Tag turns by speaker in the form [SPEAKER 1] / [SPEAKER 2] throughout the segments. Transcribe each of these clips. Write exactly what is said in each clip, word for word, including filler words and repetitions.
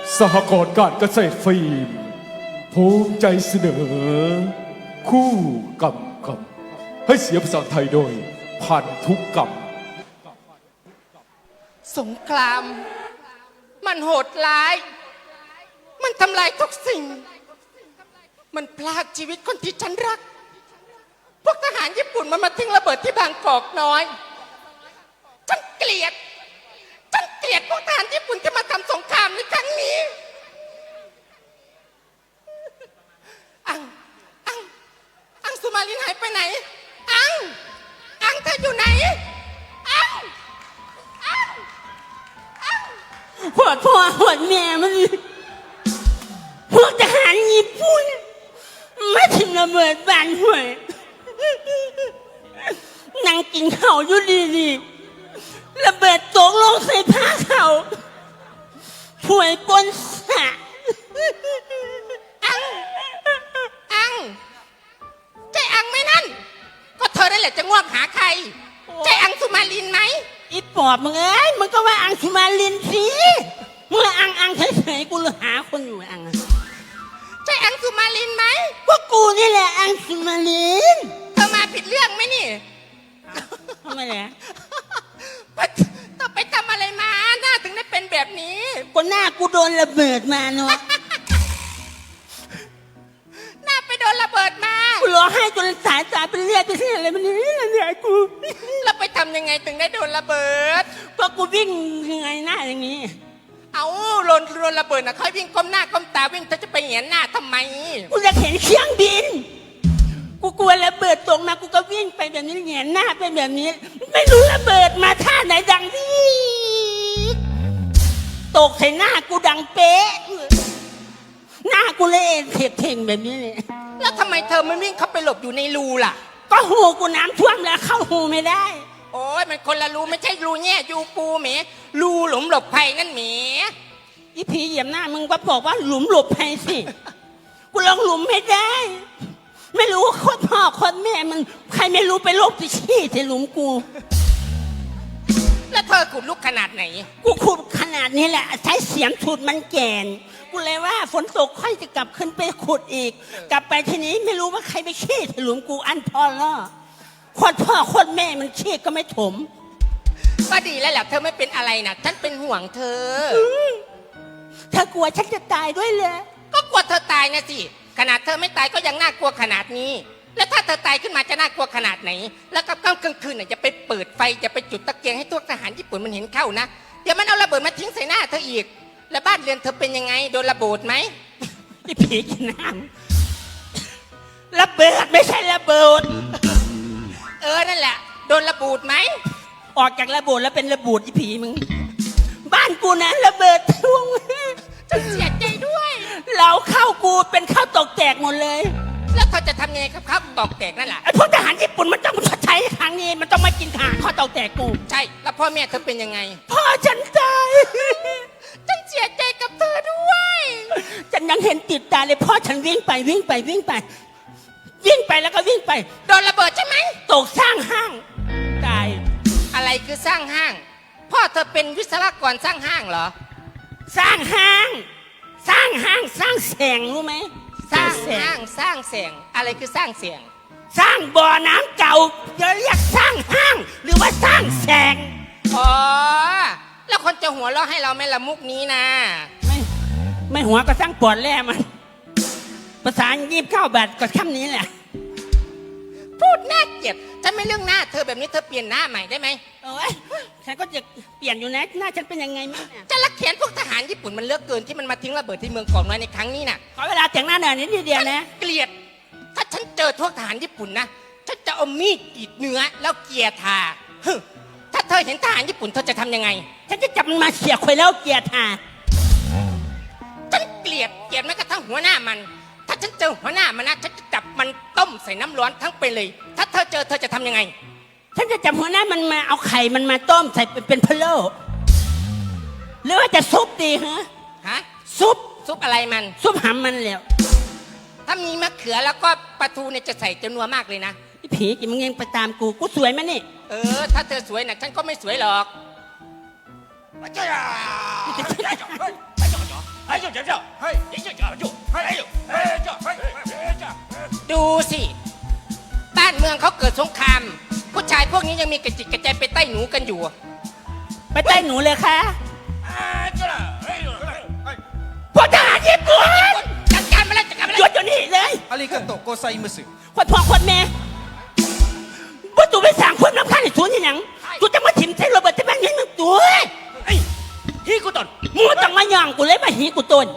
[SPEAKER 1] สหกรณ์การเกษตรฟิล์มภูมิใจเสนอ คู่กำกับให้เสียงภาษาไทยโดยพันธุกกรรม
[SPEAKER 2] สงคราม มันโหดร้าย มันทำลายทุกสิ่ง มันพลากชีวิตคนที่ฉันรัก พวกทหารญี่ปุ่นมันมาทิ้งระเบิดที่บางกอกน้อย ฉันเกลียด ฉันเกลียดพวกทหารญี่ปุ่นที่มาทำสงครามในครั้งนี้ อัง อัง อังสุมาลินหายไปไหน อัง อังเธออยู่ไหน อัง อัง อัง
[SPEAKER 3] หัวพ่อหัวแม่มันพวกทหารญี่ปุ่นมาถึงระเบิดบ้านห่วยนั่งกินข้าวอยู่ดีๆระเบิดตกลงใส่ผ้าเขาห่วยปนสะ
[SPEAKER 2] อัง อังใจอังไหมนั่น ก็เธอได้แหละจะง่วงหาใคร ใจอังสุมาลินไหม
[SPEAKER 3] อีปอบมึงเอ้ยมึงก็ว่าอังสุมาลินสิมึงละอังอังเฉยๆกูเลยหาคนอยู่อัง
[SPEAKER 2] ใจอังสุมาลินไหม
[SPEAKER 3] พวกกูนี่แหละอังสุมาลิน
[SPEAKER 2] เธอมาผิดเรื่องไหมนี่
[SPEAKER 3] ทำไมเนี่ย
[SPEAKER 2] เธอไปทำอะไรมาหน้าถึงได้เป็นแบบนี้
[SPEAKER 3] ก็หน้ากูโดนระเบิดมาเนาะ
[SPEAKER 2] หน้าไปโดนระเบิดมา
[SPEAKER 3] กูร้องไห้จนสายตาเป็นเลือดไปที่อะไรมันนี่เนี่ยกู
[SPEAKER 2] แล้วไปทำยังไงถึงได้โดนระเบิด
[SPEAKER 3] ก็กูวิ่งยังไงหน้าอย่างนี้
[SPEAKER 2] เอาโดนโดนระเบิดนะค่อยวิ่งก้มหน้าก้มตาวิ่งเธอจะไปเหียนหน้าทำไม
[SPEAKER 3] กูจะเห็นเครื่องบิน กูกลัวระเบิดตกมากูก็วิ่งไปแบบนี้เหียนหน้าไปแบบนี้ ไม่รู้ระเบิดมาท่าไหนดังที่ตกใส่หน้ากูดังเป๊ะหน้ากูเลยเผ็ดเท่งแบบนี้เลย
[SPEAKER 2] แล้วทำไมเธอไม่วิ่งเข้าไปหลบอยู่ในรูล่ะ
[SPEAKER 3] ก็หูกูน้ำท่วมแล้วเข้าหูไม่ได้
[SPEAKER 2] โอ้ยมันคนละรูไม่ใช่รูแง่ยูปูเหมรูหลุมหลบภัยนั่นเหม
[SPEAKER 3] อีผีเหยียบหน้ามึงก็บอกว่าหลุมหลบภัยสิกูลองหลุมไม่ได้ ไม่รู้ว่าคนพ่อคนแม่มันใครไม่รู้ไปโรคติชี้ใส่หลุมกู
[SPEAKER 2] แล้วเธอขุดลุกขนาดไหน
[SPEAKER 3] กูขุดขนาดนี้แหละใช้เสียมฉุดมันแกนกูเลยว่าฝนตกค่อยจะกลับขึ้นไปขุดอีก กลับไปทีนี้ไม่รู้ว่าใครไปชี้ใส่หลุมกูอันพอล่อคนพ่อคนแม่มันชี้ก็ไม่ถม
[SPEAKER 2] ก็ดีแล้วแหละเธอไม่เป็นอะไรนะฉันเป็นห่วงเธอ
[SPEAKER 3] ถ้ากลัวฉันจะตายด้วยเลย
[SPEAKER 2] ก็กลัวเธอตายนะสิขนาดเธอไม่ตายก็ยังน่ากลัวขนาดนี้ แล้วถ้าเธอตายขึ้นมาจะน่ากลัวขนาดไหน แล้วกับกลางคืนน่ะจะไปเปิดไฟจะไปจุดตะเกียงให้พวกทหารญี่ปุ่นมันเห็นเข้านะเดี๋ยวมันเอาระเบิดมาทิ้งใส่หน้าเธออีกแล้วบ้านเรือนเธอเป็นยังไงโดนระเบิดไหม
[SPEAKER 3] ไอ้ผีกินน้ำระเบิดไม่ใช่ระเบิด
[SPEAKER 2] เออนั่นแหละโดนระเบิดไหม
[SPEAKER 3] ออกจากระเบิดแล้วเป็นระเบิดไอ้ผีมึงบ้านกูนะระเบิดทุ่ง
[SPEAKER 2] ฉันเสียใจด้วย
[SPEAKER 3] เราเข้ากูเป็นข้าวตกแตกหมดเลย
[SPEAKER 2] แล้วเธอจะทำยังไงกับข้าวตอกแตกนั่นแหละ
[SPEAKER 3] ไอ้พวกทหารญี่ปุ่นมันต้องใช้ครั้งนี้มันต้องมากินทหารข้าวตกแตกกู
[SPEAKER 2] ใช่แล้วพ่อแม่เธอเป็นยังไง
[SPEAKER 3] พ่อฉันตาย
[SPEAKER 2] ฉันเสียใจกับเธอด้วย
[SPEAKER 3] ฉันยังเห็นติดตาเลยพ่อฉันวิ่งไปวิ่งไปวิ่งไป วิ่งไปแล้วก็วิ่งไป
[SPEAKER 2] โดนระเบิดใช่ไหม
[SPEAKER 3] ตกสร้างห้างตาย
[SPEAKER 2] อะไรคือสร้างห้าง พ่อเธอเป็นวิศวกรสร้างห้างเหรอ
[SPEAKER 3] สร้างห้าง สร้างห้างสร้างแสงรู้ไหม
[SPEAKER 2] สร้าง
[SPEAKER 3] แส
[SPEAKER 2] ห้างสร้างเสียงอะไรคือสร้างเสียง
[SPEAKER 3] สร้างบ่อน้ำเก่าจะเรียกสร้างห้าง หรือว่าสร้างแสง
[SPEAKER 2] อ๋อแล้วคนจะหัวเราะให้เราไหม่ละมุกนี้นะ
[SPEAKER 3] ไม่ไม่หัวก็สร้างปอดแล่มันภาษายีบเข้าบัตรก็คำนี้แหละ
[SPEAKER 2] พูดน่าเกลียดฉันไม่เรื่องหน้าเธอแบบนี้เธอเปลี่ยนหน้าใหม่ได้ไหม
[SPEAKER 3] โอ้ยฉันก็จะเปลี่ยนอยู่นะหน้าฉันเป็นยังไงมั้งเนี่ย
[SPEAKER 2] จะรักแค้นพวกทหารญี่ปุ่นมันเลือกเกินที่มันมาทิ้งระเบิดที่เมืองกอกน้อยในครั้งนี้น่ะ
[SPEAKER 3] ขอเวลาแต่งหน้าหน่อยนิดเดียวนะ
[SPEAKER 2] เกลียด ถ้าฉันเจอพวกทหารญี่ปุ่นนะฉันจะเอามีดกรีดเนื้อแล้วเกลียทาฮึถ้าเธอเห็นทหารญี่ปุ่นเธอจะทำยังไง
[SPEAKER 3] ฉันจะจับมันมาเขี่ยควยแล้วเกียร์ทา
[SPEAKER 2] ฉันเกลียดเกลียดแม้กระทั่งหัวหน้ามัน ถ้าฉันเจอหัวหน้ามันนะฉันจะจับมันต้มใส่น้ำร้อนทั้งเป็นเลย ถ้าเธอเจอเธอจะทำยังไง
[SPEAKER 3] ฉันจะจับหัวหน้ามันมาเอาไข่มันมาต้มใส่เป็นเป็นพะโล้หรือว่าจะซุปดีฮะ
[SPEAKER 2] ฮะ
[SPEAKER 3] ซุป
[SPEAKER 2] ซุปอะไรมัน
[SPEAKER 3] ซุปหำมันแล้ว
[SPEAKER 2] ถ้ามีมะเขือแล้วก็ปลาทูเนี่ยจะใส่จำนวนมากเลยนะ
[SPEAKER 3] ไอ้ผีกินมึงยังไปตามกูกูสวยไหมนี่
[SPEAKER 2] เออ ถ้าเธอสวยนะฉันก็ไม่สวยหรอก
[SPEAKER 4] 哎呀！哎呀！哎呀！哎就讲叫，嘿，一就讲就，嘿，哎呦，哎叫，嘿，哎叫。
[SPEAKER 2] ดูสิ บ้านเมืองเขาเกิดสงคราม ผู้ชายพวกนี้ยังมีกระจิตกระใจไปใต้หนูกันอยู่
[SPEAKER 3] ไปใต้หนูเลยค่ะ
[SPEAKER 4] 啊，这了，哎呦，哎，
[SPEAKER 3] พวกทหารญี่ปุ่น
[SPEAKER 2] จัดการมาแล้วจัดการมา
[SPEAKER 3] หยุ
[SPEAKER 2] แล้
[SPEAKER 3] ด
[SPEAKER 2] ว
[SPEAKER 3] เดี๋ยวนี้เลย
[SPEAKER 5] ありがとうございます。
[SPEAKER 3] คนพ่อคนแม่ว่าตูไปสั่งคนน้ำข้าวในสวนยังยังตูจะมาถิ่มใส่โรเบิร์ตที่บ้านยังมึงตัว
[SPEAKER 4] 哎，一股蛋，
[SPEAKER 3] มึงต้องมาย่องกูเลยมาหีกูต้น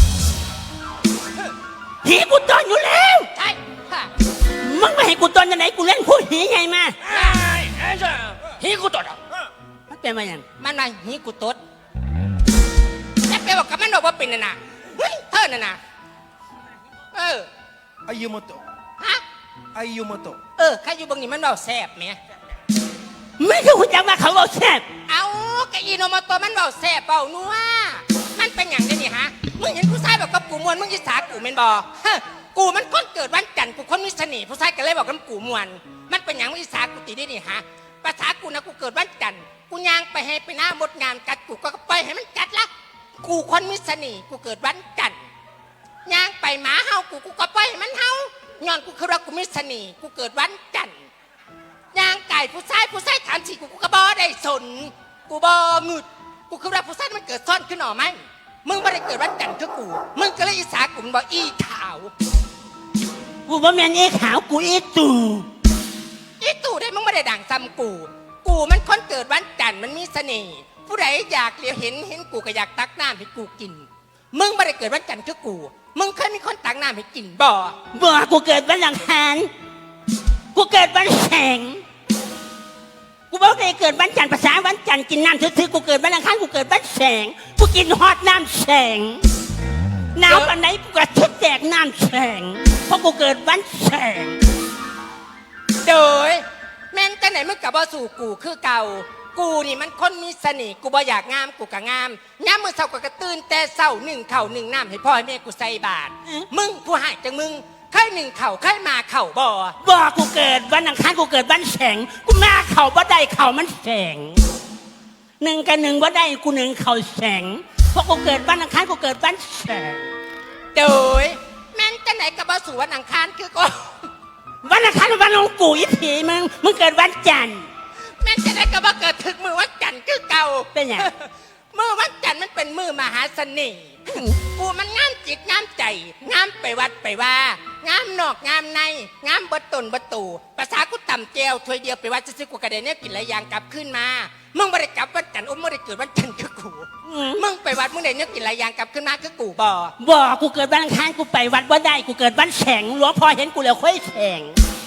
[SPEAKER 3] หีกูต้นอยู่แล้ว
[SPEAKER 2] ใช่ค่ะ
[SPEAKER 3] มึงมาให้กูต้นยังไงกูเล่นคู่หีไงมา
[SPEAKER 4] 哎，哎这，一股蛋了。
[SPEAKER 3] มันเป็นมาอย่าง
[SPEAKER 2] มันมาหีกูตดแล้วไปบอกกับมันบอกว่าเป็นน่ะนะเฮ้ยเธอน่ะนะเออ
[SPEAKER 5] あゆもと。
[SPEAKER 2] ฮะ
[SPEAKER 5] あゆもと。
[SPEAKER 2] เออใครอยู่บางนี้มันบอกแสบไหม
[SPEAKER 3] ไม่คือหุ่นจักว่าเขาบอกแซ่บ
[SPEAKER 2] เอากะอีโนมาตัวมันบอกแสบเปล่านัวมันเป็นอย่างนี้นี่ฮะ มึงเห็นผู้ชายบอกกับกูมวนมึงยิสากูเมนบอฮะกูมันคนเกิดวันจันทร์กูคนมีเสน่ห์ผู้ชายก็เลยบอกกับกูมวน มันเป็นอย่างมึงยิสากูตีได้นี่ฮะ ภาษากูนะกูเกิดวันจันทร์กูย่างไปให้ไปหน้ามดงามกัดกูก็ไปให้มันกัดละ กูคนมีเสน่ห์กูเกิดวันจันทร์ย่างไปหมาเฮากูกูก็ไปให้มันเฮาย้อนกูคือว่ากูมีเสน่ห์กูเกิดวันจันทร์ย่างไก่ผู้ชายผู้ชายถามสิกูกูก็บอได้สน กูบองึดกูคือว่าผู้ชายมันเกิดซ่อนขึ้นหน่อไหมมึงไม่ได้เกิดวันจันทร์คือกู มึงก็เลยอีสากูมันบอกอีขาว
[SPEAKER 3] กูว่าแมนเอ้ขาวกูอีตู่
[SPEAKER 2] อีตู่ได้มึงไม่ได้ด่างซ้ำกู กูมันคนเกิดวันจันทร์มันมีเสน่ห์ผู้ใดอยากเลี้ยวเห็นเห็นกูก็อยากตักน้ำให้กูกิน มึงไม่ได้เกิดวันจันทร์คือกู มึงเคยมีคนตักน้ำให้กินบ่
[SPEAKER 3] บอกกูเกิดวันอังคารกูเกิดวันแสงกูบอกได้เกิดวันจันทร์ภาษาวันจันทร์กินน้ำซื่อๆกูเกิดวันอังคารกูเกิดวันแสงกูกินฮอตน้ำแสงหนาวปันไหนกูก็ชุดแจกน้ำแสงเพราะกูเกิดวันแสง
[SPEAKER 2] โดยแม่นจังไหนมึงกับบ่สู่กูคือเก่า กูนี่มันคนมีเสน่ห์กูบ่อยากงามกูก็งามย้ำมือเศร้าก็กระตื่นแต่เศร้าหนึ่งเข่าหนึ่งน้ำให้พ่อให้แม่กูใส่บาตรมึงผู้หายจังมึงเคยหนึ่งเข่าเคยมาเข่าบ่
[SPEAKER 3] บอกกูเกิดวันอังคารกูเกิดวันแสงกูมาเข่าบ่ได้เข่ามันแสงหนึ่งกับหนึ่งบ่ได้กูหนึ่งเข่าแสงเพราะกูเกิดวันอังคารกูเกิดวันแสง
[SPEAKER 2] โดยแม่นจังไหนกับบ่สู่วันอังคารคือก็
[SPEAKER 3] วันอังคารเป็นวันของกูอีผีมึงมึงเกิดวันจันทร์
[SPEAKER 2] แม่นจังไหนกับบ่เกิดถึงมือวันจันทร์คือเก่า
[SPEAKER 3] เป็นหยัง
[SPEAKER 2] มือวันจันทร์มันเป็นมือมหาเสน่ห์กูมันงามจิตงามใจงามไปวัดไปว่างามนอกงามในงามเบิดตนเบิดตูภาษากูต่ำเจวถ้วยเดียวไปวัดจะซื้อกูกระเด็นเนี่ยกินหลายอย่างกลับขึ้นมามึงไม่ได้กลับวันจันทร์อุ้มไม่ได้เกิดวันจันทร์คือกูมึงไปวัดมึงได้เนี่ยกินหลายอย่างกลับขึ้นมาคือกูบ่
[SPEAKER 3] บอกกูเกิดวันอังคารกูไปวัดว่าได้กูเกิดวันแสงหลวงพ่อเห็นกูแล้วค่อยแสง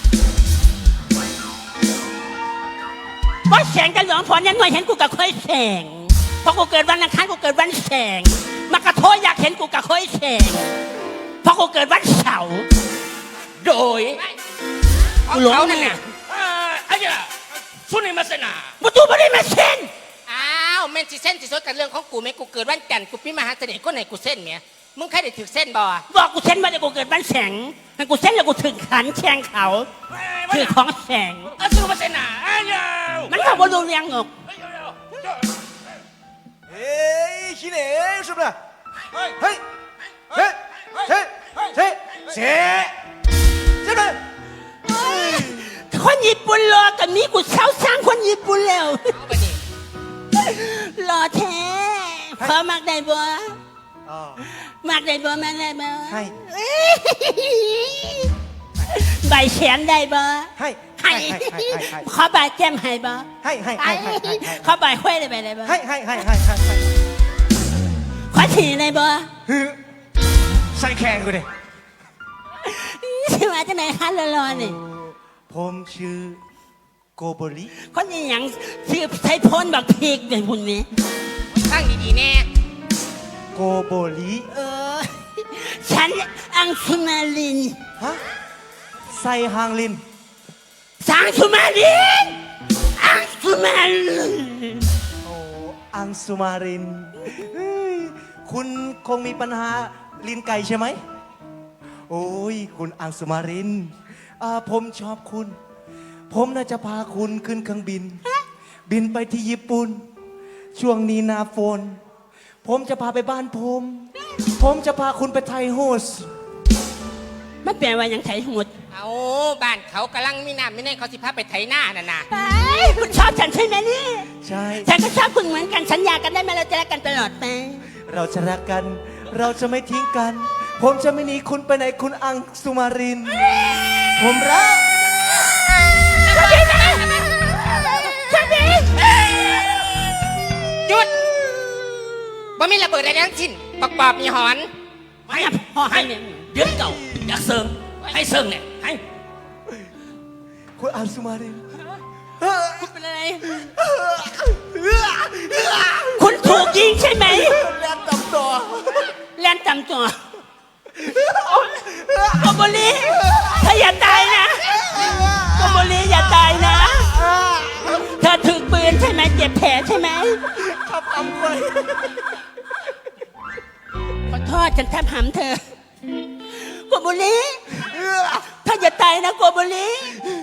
[SPEAKER 3] ว่าแสงกับหลวงพ่อเนี่ยหน่วยเห็นกูกับค่อยแสงเพราะกูเกิดวันอังคารกูเกิดวันแสงมากระโทษอยากเห็นกูกับค่อยแสงเพราะกูเกิดวันเสาร์
[SPEAKER 2] โดยเอาเขานั่นน่ะ
[SPEAKER 4] 啊，哎呀，说你们谁呐？
[SPEAKER 3] กูตูไม่ได้มาเส้น
[SPEAKER 2] อ้าวแม่นสิเส้นสิสดกับเรื่องของกูไหมกูเกิดวันจันทร์กูพี่มหาเสน่ห์คนไหนกูเส้นเมียมึงใครได้ถือเส้นบ่
[SPEAKER 3] บอกกูเส้นว่าจะกูเกิดวันแสงให้กูเส้นแล้วกูถึงขันแช่งเขา
[SPEAKER 4] 哎，
[SPEAKER 3] ถือ
[SPEAKER 4] 我
[SPEAKER 3] ของแสง
[SPEAKER 4] 啊，是我谁呐？哎呀，
[SPEAKER 3] มันบอกว่าดูเรียงออก
[SPEAKER 4] 哎呦呦，
[SPEAKER 5] えー、ひねー、是不是？はい。はい。せ、せ、せ、せ、是不是？
[SPEAKER 3] คนญี่ปุ่นรอกับนี้กูเช่าสร้างคนญี่ปุ่นแล้ว
[SPEAKER 2] เอาไปดิ
[SPEAKER 3] รอแท้พอมักได้บ่
[SPEAKER 5] あ
[SPEAKER 3] มักได้บ่มักได้บ่
[SPEAKER 5] はい
[SPEAKER 3] ใบแขนได้บ่
[SPEAKER 5] ー。はい。は
[SPEAKER 3] ให้
[SPEAKER 5] いはいはいはいはい。
[SPEAKER 3] ขอใบแก้มให้บ่
[SPEAKER 5] はいはいはいはいはい。
[SPEAKER 3] ขอใบห้วยได้ไหมได้บ่
[SPEAKER 5] はいはいはいはいはいはい。
[SPEAKER 3] ขอฉี่ได้บ่
[SPEAKER 5] ふう。最強これ。
[SPEAKER 3] ชื่อมาจากไหนคะรอๆนี่
[SPEAKER 5] ผมชื่อโกโบริ
[SPEAKER 3] คนนี้หยังชื่อใช้พ้นบักพีกเป็นพุ่นนี้
[SPEAKER 2] ตั้งดีๆแน่
[SPEAKER 5] โกโบริ
[SPEAKER 3] เออฉันอังสุมาลิน
[SPEAKER 5] ฮะไซฮางลิน
[SPEAKER 3] สังสุมาลินอังสุมาลิน
[SPEAKER 5] โอ้อังสุมารินเฮ้ยคุณคงมีปัญหาลิ้นไก่ใช่ไหมโอ้ยคุณอังสุมารินอ่าผมชอบคุณ ผมน่าจะพาคุณขึ้นเครื่องบิน บินไปที่ญี่ปุ่น ช่วงนี้หนาฝนผมจะพาไปบ้านผมผมจะพาคุณไปไทยโฮส
[SPEAKER 3] มันแปลว่าหยังไทยหมด
[SPEAKER 2] เอาบ้านเขากำลังมีน้ำไม่แน่เขาสิพาไปไถหน้าน่ะนะ
[SPEAKER 3] ไปคุณชอบฉันใช่ไหมนี่
[SPEAKER 5] ใช่
[SPEAKER 3] ฉันก็ชอบคุณเหมือนกันสัญญากันได้ไหมเราจะรักกันตลอดไป
[SPEAKER 5] เราจะรักกัน เราจะไม่ทิ้งกัน ผมจะไม่หนีคุณไปไหนคุณอังสุมาริน ผมรัก
[SPEAKER 2] หยุดบ่มีระเบิดอะไรทั้งสิ้นปักปอบมีหอน
[SPEAKER 3] ให้พ่อให้เนี่ย
[SPEAKER 4] เดือนเก่าอยากเสริมให้เสริมเนี่ยให้
[SPEAKER 5] คุณอังสุมาริน
[SPEAKER 3] คุณเป็นอะไร คุณถูกยิงใช่ไหม
[SPEAKER 5] แล้วตำต่อ
[SPEAKER 3] แล่นจำตัวโกโบลีเธออย่าตายนะโกโบลีอย่าตายนะ เธอถือปืนใช่ไหมเจ็บแผลใช่ไหม
[SPEAKER 5] ขับอำไป
[SPEAKER 3] ขอโทษฉันแทบหำเธอโกโบลีเธออย่าตายนะโกโบลี